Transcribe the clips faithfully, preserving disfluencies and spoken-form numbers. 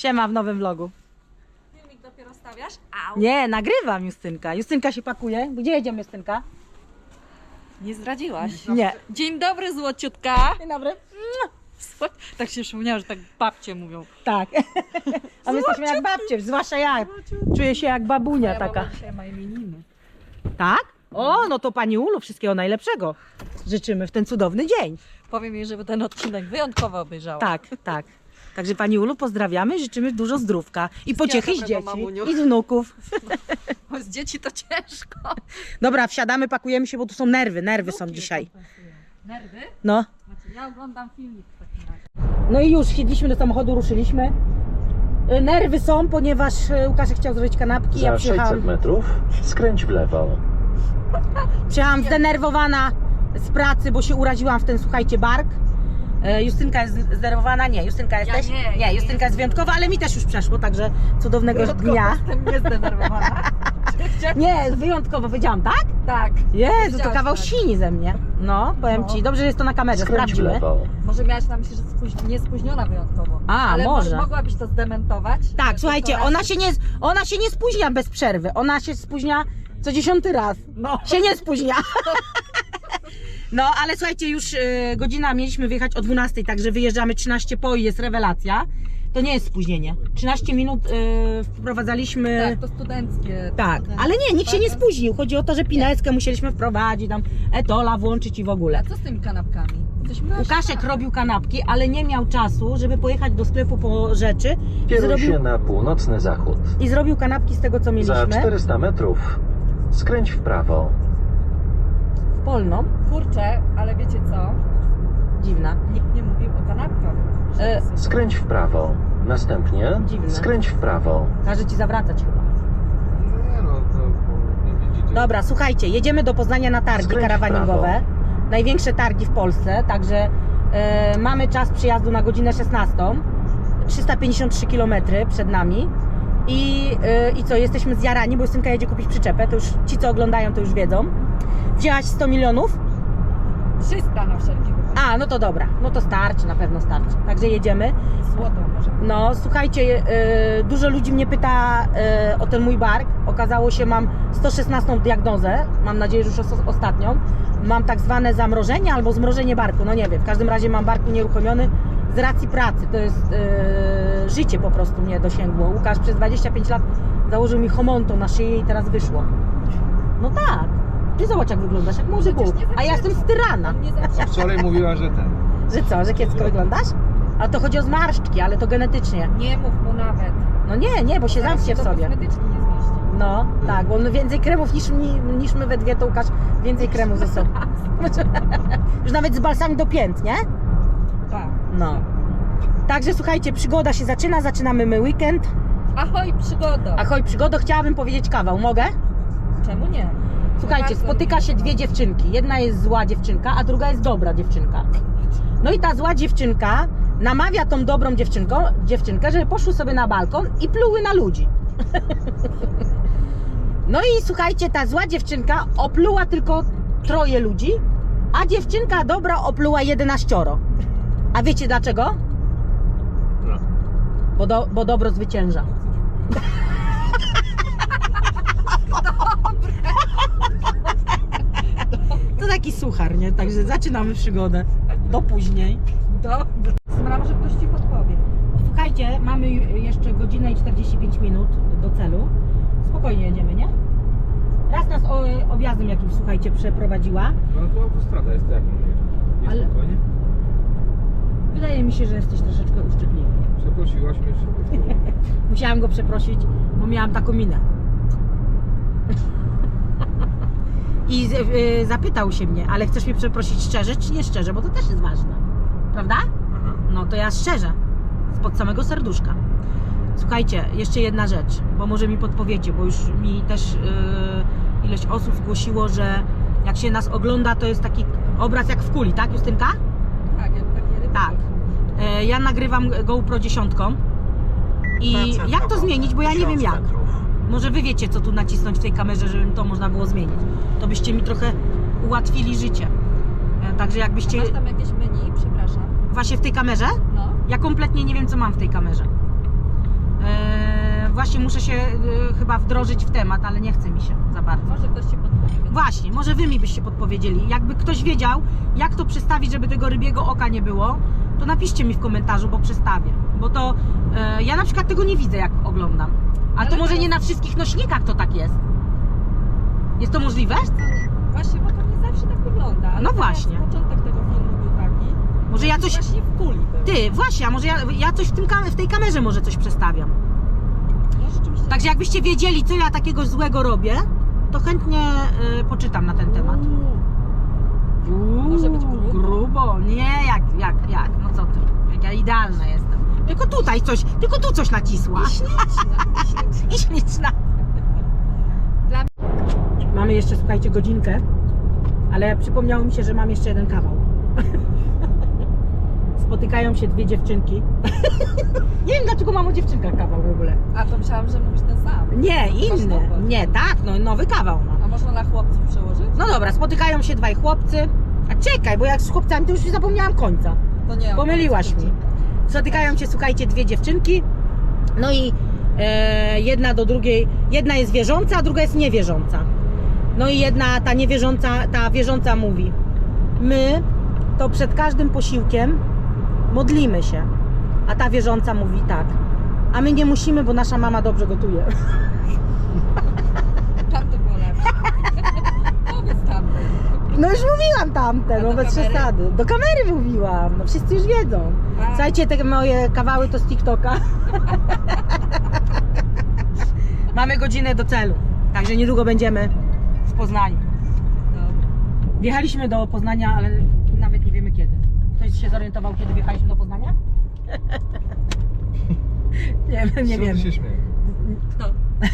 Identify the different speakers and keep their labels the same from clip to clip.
Speaker 1: Siema w nowym vlogu.
Speaker 2: Filmik dopiero stawiasz? Au.
Speaker 1: Nie, nagrywam Justynka. Justynka się pakuje. Gdzie jedziemy, Justynka?
Speaker 2: Nie zdradziłaś.
Speaker 1: Nie.
Speaker 2: Dzień dobry, złociutka.
Speaker 1: Dzień dobry.
Speaker 2: Tak się przypomniało, że tak babcie mówią.
Speaker 1: Tak. A my jesteśmy jak babcie, zwłaszcza ja. Czuję się jak babunia
Speaker 2: Ja
Speaker 1: taka.
Speaker 2: baba dzisiaj ma imieniny.
Speaker 1: Tak? O, no to Pani Ulu, wszystkiego najlepszego. Życzymy w ten cudowny dzień.
Speaker 2: Powiem jej, żeby ten odcinek wyjątkowo obejrzała.
Speaker 1: Tak, tak. Także Pani Ulu pozdrawiamy, życzymy dużo zdrówka i pociechy z
Speaker 2: dobrego,
Speaker 1: dzieci
Speaker 2: mamuniu.
Speaker 1: i z wnuków.
Speaker 2: Bo z dzieci to ciężko.
Speaker 1: Dobra, wsiadamy, pakujemy się, bo tu są nerwy, nerwy są dzisiaj.
Speaker 2: Nerwy?
Speaker 1: No.
Speaker 2: Znaczy, ja oglądam filmik w takim razie.
Speaker 1: No i już siedliśmy do samochodu, ruszyliśmy. Y, Nerwy są, ponieważ y, Łukaszek chciał zrobić kanapki. Ja
Speaker 3: Za
Speaker 1: przyjechałam,
Speaker 3: sześćset metrów skręć w lewo.
Speaker 1: przyjechałam zdenerwowana z pracy, bo się uraziłam w ten, słuchajcie, bark. Y, Justynka jest zdenerwowana? Nie, Justynka jesteś?
Speaker 2: nie, ja
Speaker 1: nie,
Speaker 2: nie
Speaker 1: Justynka jest wyjątkowa, ale mi też już przeszło, także cudownego
Speaker 2: Wyjątkowo
Speaker 1: dnia.
Speaker 2: jestem niezdenerwowana.
Speaker 1: Nie, wyjątkowo, powiedziałam, tak?
Speaker 2: Tak.
Speaker 1: Jezu, to
Speaker 2: Powiedziałaś
Speaker 1: kawał
Speaker 2: tak.
Speaker 1: sini ze mnie. No, powiem
Speaker 2: No.
Speaker 1: Ci, dobrze, że jest to na kamerze,
Speaker 3: Skręć w
Speaker 1: sprawdzimy.
Speaker 3: lewo.
Speaker 2: Może miałaś na myśli, że spóź... nie spóźniona wyjątkowo.
Speaker 1: A,
Speaker 2: ale
Speaker 1: może.
Speaker 2: mogłabyś to zdementować?
Speaker 1: Tak,
Speaker 2: Że
Speaker 1: słuchajcie,
Speaker 2: to raz-
Speaker 1: ona się, nie, ona się nie spóźnia bez przerwy. Ona się spóźnia co dziesiąty raz.
Speaker 2: No.
Speaker 1: Się nie spóźnia. No, ale słuchajcie, już y, godzina, mieliśmy wyjechać o dwunastej, także wyjeżdżamy trzynaście po i jest rewelacja. To nie jest spóźnienie. trzynaście minut y, wprowadzaliśmy...
Speaker 2: Tak, to studenckie.
Speaker 1: Tak,
Speaker 2: studenckie.
Speaker 1: ale nie, nikt się nie
Speaker 2: Tak?
Speaker 1: spóźnił. Chodzi o to, że pineckę musieliśmy wprowadzić, tam etola włączyć i w ogóle.
Speaker 2: A co z tymi kanapkami? Coś masz?
Speaker 1: Łukaszek robił kanapki, ale nie miał czasu, żeby pojechać do sklepu po rzeczy. I
Speaker 3: Kieruj
Speaker 1: zrobił,
Speaker 3: się na północny zachód.
Speaker 1: I zrobił kanapki z tego, co
Speaker 3: Za
Speaker 1: mieliśmy.
Speaker 3: czterysta metrów skręć w prawo.
Speaker 1: Polną.
Speaker 2: Kurczę, ale wiecie co?
Speaker 1: Dziwna.
Speaker 2: Nikt nie mówił o kanapkach.
Speaker 1: E,
Speaker 3: Skręć w prawo. Następnie
Speaker 1: Dziwne.
Speaker 3: skręć w prawo.
Speaker 1: Każe ci zawracać chyba.
Speaker 4: Nie no, to nie widzicie.
Speaker 1: Dobra, słuchajcie, jedziemy do Poznania na targi
Speaker 3: Skręć w
Speaker 1: karawaningowe.
Speaker 3: prawo.
Speaker 1: Największe targi w Polsce, także e, mamy czas przyjazdu na godzinę szesnastą. trzysta pięćdziesiąt trzy kilometry przed nami. I, e, I co, jesteśmy zjarani, bo Justynka jedzie kupić przyczepę, to już ci, co oglądają, to już wiedzą. Wzięłaś sto milionów?
Speaker 2: trzysta na wszelki wypadek.
Speaker 1: A, no to dobra, no to starczy, na pewno starczy. Także jedziemy.
Speaker 2: Złotą może.
Speaker 1: No, słuchajcie, y, dużo ludzi mnie pyta y, o ten mój bark. Okazało się, mam sto szesnastą diagnozę, mam nadzieję, że już os- ostatnią. Mam tak zwane zamrożenie albo zmrożenie barku, no nie wiem. W każdym razie mam bark unieruchomiony z racji pracy. To jest y, życie po prostu mnie dosięgło. Łukasz przez dwadzieścia pięć lat założył mi homonto na szyję i teraz wyszło. No tak. Ty zobacz, jak wyglądasz, jak młody
Speaker 2: Przecież
Speaker 1: Bóg.
Speaker 2: nie
Speaker 1: A ja jestem z Tyrana.
Speaker 2: On nie
Speaker 4: A
Speaker 2: zaczęła.
Speaker 4: wczoraj mówiła, że ten.
Speaker 1: Że co, że kiepsko wyglądasz? A to chodzi o zmarszczki, ale to genetycznie.
Speaker 2: Nie mów mu nawet.
Speaker 1: No nie, nie, bo się
Speaker 2: Zaraz
Speaker 1: zamknie w
Speaker 2: do
Speaker 1: sobie.
Speaker 2: kosmetyczki nie zmieści.
Speaker 1: No, tak, bo on więcej kremów niż, mi- niż my we dwie, to Łukasz więcej kremów ze sobą. Już nawet z balsami do pięt, nie?
Speaker 2: Tak.
Speaker 1: No. Także słuchajcie, przygoda się zaczyna, zaczynamy my weekend.
Speaker 2: Ahoj, przygodo.
Speaker 1: Ahoj, przygodo, chciałabym powiedzieć kawał, mogę?
Speaker 2: Czemu nie?
Speaker 1: Słuchajcie,
Speaker 2: Bardzo
Speaker 1: spotyka się dwie dziewczynki. Jedna jest zła dziewczynka, a druga jest dobra dziewczynka. No i ta zła dziewczynka namawia tą dobrą dziewczynką, dziewczynkę, żeby poszły sobie na balkon i pluły na ludzi. No i słuchajcie, ta zła dziewczynka opluła tylko troje ludzi, a dziewczynka dobra opluła jedenaścioro. A wiecie dlaczego?
Speaker 4: No.
Speaker 1: Bo, do, bo dobro zwycięża. To taki suchar, nie? Także zaczynamy przygodę. Do później.
Speaker 2: Dobrze. Smra, może ktoś ci podpowie.
Speaker 1: Słuchajcie, mamy jeszcze godzinę i czterdzieści pięć minut do celu. Spokojnie jedziemy, nie? Raz nas o, objazdem jakimś, słuchajcie, przeprowadziła.
Speaker 4: No to autostrada jest, to jak mam jechać? Nie
Speaker 1: Ale-
Speaker 4: spokojnie?
Speaker 1: Wydaje mi się, że jesteś troszeczkę uszczypliwy.
Speaker 4: Przeprosiłaś mnie wszystko.
Speaker 1: Musiałam go przeprosić, bo miałam taką minę. I z, y, zapytał się mnie, ale chcesz mnie przeprosić szczerze czy nie szczerze, bo to też jest ważne. Prawda? No to ja szczerze, spod samego serduszka. Słuchajcie, jeszcze jedna rzecz, bo może mi podpowiecie, bo już mi też yy, ileś osób zgłosiło, że jak się nas ogląda, to jest taki obraz jak w kuli, tak Justynka?
Speaker 2: Tak, jak takie ryby.
Speaker 1: Tak. E, ja nagrywam GoPro dziesiątką i jak to zmienić, bo ja nie wiem jak. Może wy wiecie, co tu nacisnąć w tej kamerze, żeby to można było zmienić. To byście mi trochę ułatwili życie. E, także jakbyście...
Speaker 2: Masz tam jakieś menu? Przepraszam.
Speaker 1: Właśnie w tej kamerze?
Speaker 2: No.
Speaker 1: Ja kompletnie nie wiem, co mam w tej kamerze. E, właśnie muszę się e, chyba wdrożyć w temat, ale nie chce mi się za bardzo.
Speaker 2: Może ktoś ci podpowie.
Speaker 1: Właśnie, może wy mi byście podpowiedzieli. Jakby ktoś wiedział, jak to przestawić, żeby tego rybiego oka nie było, to napiszcie mi w komentarzu, bo przestawię. Bo to e, ja na przykład tego nie widzę, jak oglądam. A
Speaker 2: Ale
Speaker 1: to może
Speaker 2: teraz-
Speaker 1: nie na wszystkich nośnikach to tak jest. Jest to możliwe?
Speaker 2: Wiesz co, nie- Właśnie, bo to nie zawsze tak wygląda. Ale
Speaker 1: No
Speaker 2: teraz
Speaker 1: właśnie.
Speaker 2: Początek tego filmu był taki.
Speaker 1: Może ja coś...
Speaker 2: Właśnie w kuli był.
Speaker 1: Ty, właśnie, a może ja, ja coś w, tym, kam- w tej kamerze może coś przestawiam.
Speaker 2: No rzeczywiście.
Speaker 1: Także jakbyście wiedzieli, co ja takiego złego robię, to chętnie y, poczytam na ten temat. Uuu,
Speaker 2: Może być grubo.
Speaker 1: grubo. Nie, jak, jak, jak, no co ty, jak ja idealna jestem. Tylko tutaj coś, tylko tu coś nacisła.
Speaker 2: I śliczna, i śliczna.
Speaker 1: I śliczna.
Speaker 2: Dla-
Speaker 1: Mamy jeszcze, słuchajcie, godzinkę, ale przypomniało mi się, że mam jeszcze jeden kawał. Spotykają się dwie dziewczynki. Nie wiem, dlaczego mam o dziewczynkach kawał w ogóle.
Speaker 2: A to myślałam, że mówisz ten sam.
Speaker 1: Nie, inny. Nie, tak, no nowy kawał mam.
Speaker 2: A można na chłopców przełożyć?
Speaker 1: No dobra, spotykają się dwaj chłopcy. A czekaj, bo jak z chłopcami to już zapomniałam końca.
Speaker 2: To nie.
Speaker 1: Pomyliłaś mi. Spotykają się, słuchajcie, dwie dziewczynki. No i e, jedna do drugiej, jedna jest wierząca, a druga jest niewierząca. No i jedna, ta niewierząca, ta wierząca mówi: my to przed każdym posiłkiem modlimy się. A ta wierząca mówi tak: a my nie musimy, bo nasza mama dobrze gotuje.
Speaker 2: Tam to było lepsze. Powiedz tam.
Speaker 1: No już mówiłam tamte,
Speaker 2: A
Speaker 1: no
Speaker 2: do
Speaker 1: bez
Speaker 2: kamery?
Speaker 1: przesady. Do kamery mówiłam, no wszyscy już wiedzą.
Speaker 2: A.
Speaker 1: Słuchajcie, te moje kawały to z TikToka. Mamy godzinę do celu, także niedługo będziemy w Poznaniu.
Speaker 2: Dobra.
Speaker 1: Wjechaliśmy do Poznania, ale nawet nie wiemy kiedy. Ktoś się zorientował, kiedy wjechaliśmy do Poznania? nie, nie wiemy.
Speaker 4: się śmieję.
Speaker 2: Kto?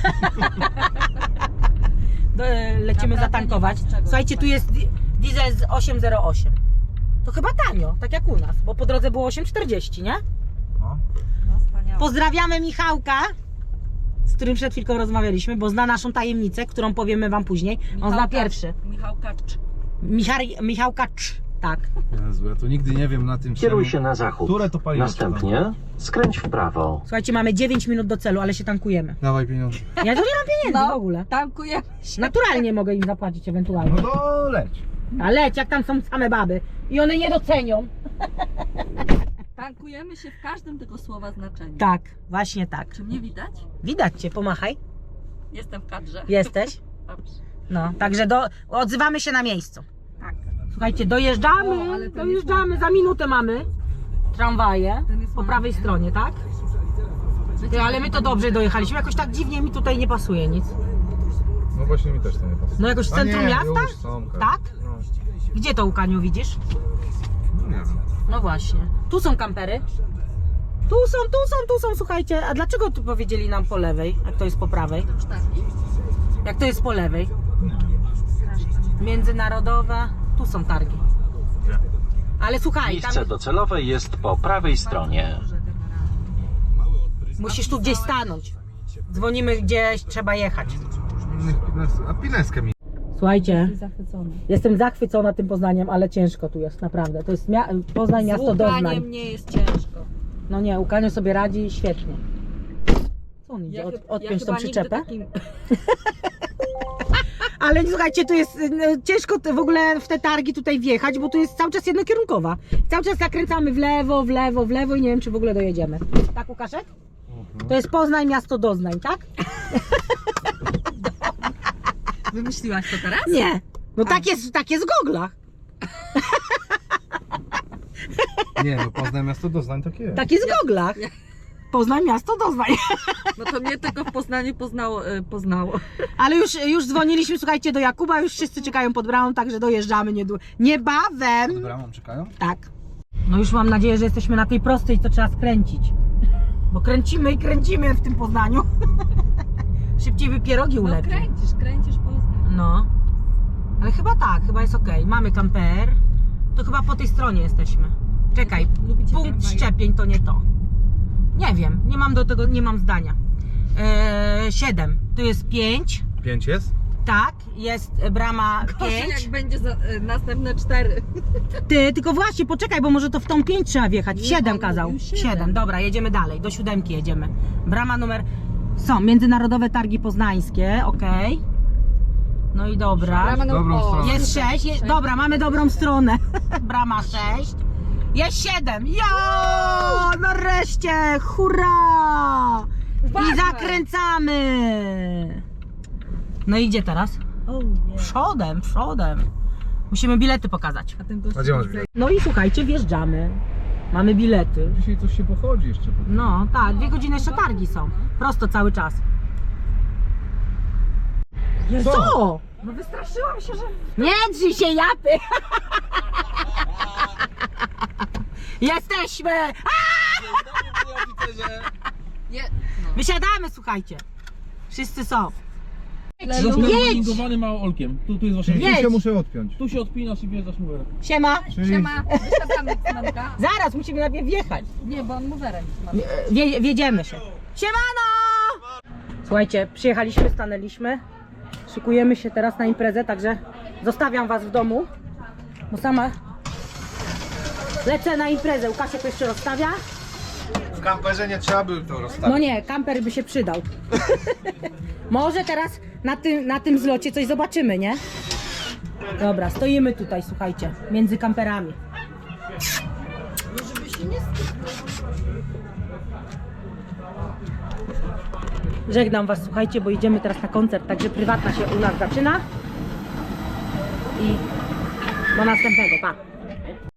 Speaker 1: Do, lecimy
Speaker 2: Naprawdę
Speaker 1: zatankować.
Speaker 2: nie ma z czego
Speaker 1: Słuchajcie, tu jest di- diesel z osiem zero osiem. To chyba tanio, tak jak u nas, bo po drodze było osiem czterdzieści, nie?
Speaker 4: No.
Speaker 2: No wspaniałe.
Speaker 1: Pozdrawiamy Michałka, z którym przed chwilką rozmawialiśmy, bo zna naszą tajemnicę, którą powiemy wam później. On zna
Speaker 2: Michał
Speaker 1: pierwszy.
Speaker 2: Kacz. Michał Kacz.
Speaker 1: Michał, Michałka Cz, tak.
Speaker 4: Jezu, ja to nigdy nie wiem na tym
Speaker 3: Kieruj
Speaker 4: czemu-
Speaker 3: się na zachód.
Speaker 4: Które to paliwo
Speaker 3: Następnie skręć w prawo.
Speaker 1: Słuchajcie, mamy dziewięć minut do celu, ale się tankujemy.
Speaker 4: Dawaj pieniądze.
Speaker 1: Ja tu nie mam pieniędzy
Speaker 2: No.
Speaker 1: w ogóle.
Speaker 2: Tankujemy się.
Speaker 1: Naturalnie mogę im zapłacić ewentualnie.
Speaker 4: No to leć.
Speaker 1: A leć, jak tam są same baby i one nie docenią.
Speaker 2: Tankujemy się w każdym tego słowa znaczeniu.
Speaker 1: Tak, właśnie tak.
Speaker 2: Czy mnie widać?
Speaker 1: Widać cię, pomachaj.
Speaker 2: Jestem w kadrze.
Speaker 1: Jesteś?
Speaker 2: Dobrze.
Speaker 1: No, także do, odzywamy się na miejscu.
Speaker 2: Tak.
Speaker 1: Słuchajcie, dojeżdżamy,
Speaker 2: O, ale ten
Speaker 1: dojeżdżamy,
Speaker 2: jest
Speaker 1: za minutę mamy tramwaje
Speaker 2: Ten jest
Speaker 1: po
Speaker 2: ładny.
Speaker 1: prawej stronie, tak? Ty, ale my to dobrze dojechaliśmy, jakoś tak dziwnie mi tutaj nie pasuje nic.
Speaker 4: No właśnie mi też to nie pasuje.
Speaker 1: No jakoś w
Speaker 4: A
Speaker 1: centrum
Speaker 4: nie,
Speaker 1: miasta?
Speaker 4: Już są,
Speaker 1: Tak?
Speaker 4: No.
Speaker 1: Gdzie to, Łukaniu, widzisz?
Speaker 4: No nie wiem.
Speaker 1: No właśnie. Tu są kampery. Tu są, tu są, tu są, słuchajcie. A dlaczego tu powiedzieli nam po lewej, jak to jest po prawej?
Speaker 2: Sztaki.
Speaker 1: Jak to jest po lewej? Międzynarodowe. Tu są targi. Ale słuchaj, tam
Speaker 3: Miejsce docelowe jest po prawej stronie.
Speaker 1: musisz tu gdzieś stanąć. Dzwonimy gdzieś, trzeba jechać.
Speaker 4: A pineskę mi.
Speaker 1: Słuchajcie,
Speaker 2: Jesteś zachwycony.
Speaker 1: jestem zachwycona tym Poznaniem, ale ciężko tu jest, naprawdę. To jest mia- Poznań,
Speaker 2: Z
Speaker 1: miasto doznań.
Speaker 2: łukaniem nie jest ciężko.
Speaker 1: No nie, Łukaniu sobie radzi świetnie. Co on idzie? Od,
Speaker 2: chyb-
Speaker 1: odpiąć tą
Speaker 2: chyba nigdy
Speaker 1: przyczepę?
Speaker 2: takim-
Speaker 1: Ale słuchajcie, tu jest no, ciężko te- w ogóle w te targi tutaj wjechać, bo tu jest cały czas jednokierunkowa. Cały czas zakręcamy w lewo, w lewo, w lewo i nie wiem, czy w ogóle dojedziemy. Tak, Łukaszek? To jest Poznań, miasto doznań, tak?
Speaker 2: Wymyśliłaś to teraz?
Speaker 1: Nie. No tak jest, tak jest w goglach.
Speaker 4: Nie, no Poznań miasto doznań takie jest.
Speaker 1: Tak jest w goglach.
Speaker 2: ja-
Speaker 1: Poznań, miasto doznań.
Speaker 2: No to mnie tylko w Poznaniu poznało. y, poznało.
Speaker 1: Ale już, już dzwoniliśmy, słuchajcie, do Jakuba, już wszyscy czekają pod bramą, także dojeżdżamy niedługo. Niebawem.
Speaker 4: Pod bramą czekają?
Speaker 1: Tak. No już mam nadzieję, że jesteśmy na tej prostej, co trzeba skręcić. Bo kręcimy i kręcimy w tym Poznaniu. Szybciej by pierogi
Speaker 2: No
Speaker 1: ulepił.
Speaker 2: kręcisz, kręcisz Poznań.
Speaker 1: No. Ale chyba tak, chyba jest ok. Mamy kamper. To chyba po tej stronie jesteśmy. Czekaj,
Speaker 2: Lubicie
Speaker 1: punkt
Speaker 2: tramwaje?
Speaker 1: szczepień to nie to. Nie wiem, nie mam do tego, nie mam zdania. Eee, siedem. Tu jest pięć.
Speaker 4: Pięć jest?
Speaker 1: Tak, jest brama
Speaker 2: Gorzej
Speaker 1: pięć.
Speaker 2: jak będzie za, y, następne cztery.
Speaker 1: Ty, tylko właśnie, poczekaj, bo może to w tą pięć trzeba wjechać. W
Speaker 2: Nie,
Speaker 1: siedem
Speaker 2: on
Speaker 1: kazał.
Speaker 2: mówił
Speaker 1: siedem.
Speaker 2: siedem.
Speaker 1: Dobra, jedziemy dalej. Do siódemki jedziemy. Brama numer... Są, Międzynarodowe Targi Poznańskie, okej. No i dobra.
Speaker 2: Brama numer-
Speaker 4: Dobrą
Speaker 2: o,
Speaker 4: stronę.
Speaker 1: Jest sześć. Je... Dobra, mamy dobrą stronę. Brama sześć. Jest siedem. Jo! Nareszcie! Hurra! I
Speaker 2: Uważaj.
Speaker 1: zakręcamy! No i gdzie teraz?
Speaker 2: O nie.
Speaker 1: Przodem, przodem. Musimy bilety pokazać.
Speaker 2: A ten gość
Speaker 4: A gdzie masz bilet?
Speaker 1: No i słuchajcie, wjeżdżamy. Mamy bilety.
Speaker 4: Dzisiaj coś się pochodzi jeszcze. po tym.
Speaker 1: No tak, dwie godziny jeszcze targi są. Prosto cały czas.
Speaker 4: Co?
Speaker 1: Co?
Speaker 2: No wystraszyłam się, że...
Speaker 1: Nie drzyj się, japy! Jesteśmy!
Speaker 2: Je...
Speaker 1: Wysiadamy, słuchajcie. Wszyscy są.
Speaker 5: Został
Speaker 1: Jedź!
Speaker 5: wylingowany małym olkiem. Tu, tu jest wasze
Speaker 4: Czyli
Speaker 1: Jedź.
Speaker 4: tu się muszę odpiąć.
Speaker 5: Tu się odpinasz i wjeżdżasz numerem.
Speaker 1: Siema.
Speaker 4: Czyli
Speaker 2: Siema, wysiadamy z Manka.
Speaker 1: Zaraz musimy najpierw wjechać.
Speaker 2: Nie, bo on mowerem.
Speaker 1: Wie, wiedziemy się. Siemano! Słuchajcie, przyjechaliśmy, stanęliśmy. Szykujemy się teraz na imprezę, także zostawiam was w domu. Bo sama lecę na imprezę. Łukaszek to jeszcze rozstawia.
Speaker 4: w kamperze nie trzeba by to rozstawić.
Speaker 1: No nie, kamper by się przydał. Może teraz na tym, na tym zlocie coś zobaczymy, nie? Dobra, stoimy tutaj, słuchajcie, między kamperami. Żegnam was, słuchajcie, bo idziemy teraz na koncert, także prywatna się u nas zaczyna. I do następnego, pa!